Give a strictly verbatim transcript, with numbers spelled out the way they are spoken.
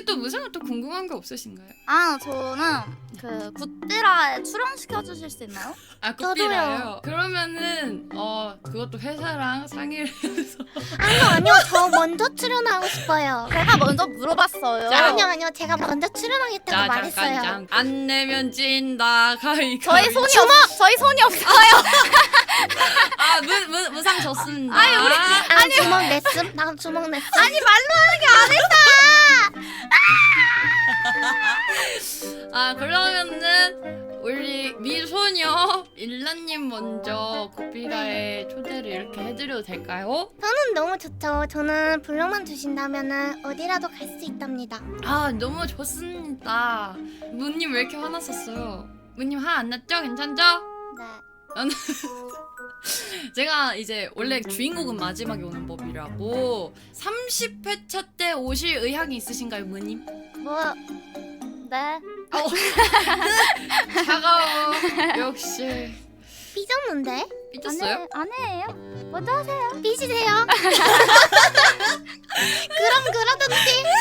또 무슨 또 궁금한 게 없으신가요? 아 저는 그 굿비라에 출연시켜 주실 수 있나요? 아 굿비라요? 그러면은 어 그것도 회사랑 상의를 해서 아니요 아니요 저 먼저 출연하고 싶어요. 제가 먼저 물어봤어요. 자, 아니요 아니요 제가 먼저 출연하겠다고 자 말했어요. 잠깐 잠깐 안 내면 진다 가위가위. 저희 손이 없 저희 손이 없어요. 아 무, 무, 무상 줬습니다. 아니, 우리- 난 주먹 냈음. 난 주먹 냈음. 아니 말로 하는 게 아니라. 아 그러면은 우리 미소녀 일라님 먼저 굿비라에 초대를 이렇게 해드려도 될까요? 저는 너무 좋죠. 저는 불러만 주신다면은 어디라도 갈 수 있답니다. 아 너무 좋습니다. 무님 왜 이렇게 화났었어요? 무님 화 안 났죠? 괜찮죠? 네. 제가 이제 원래 주인공은 마지막에 오는 법이라고 삼십 회차 때 오실 의향이 있으신가요, 무님? 뭐 네. 차가워. 역시 삐졌는데? 삐졌어요? 아니에요. 먼저 하세요. 삐지세요? 그럼 그러든지.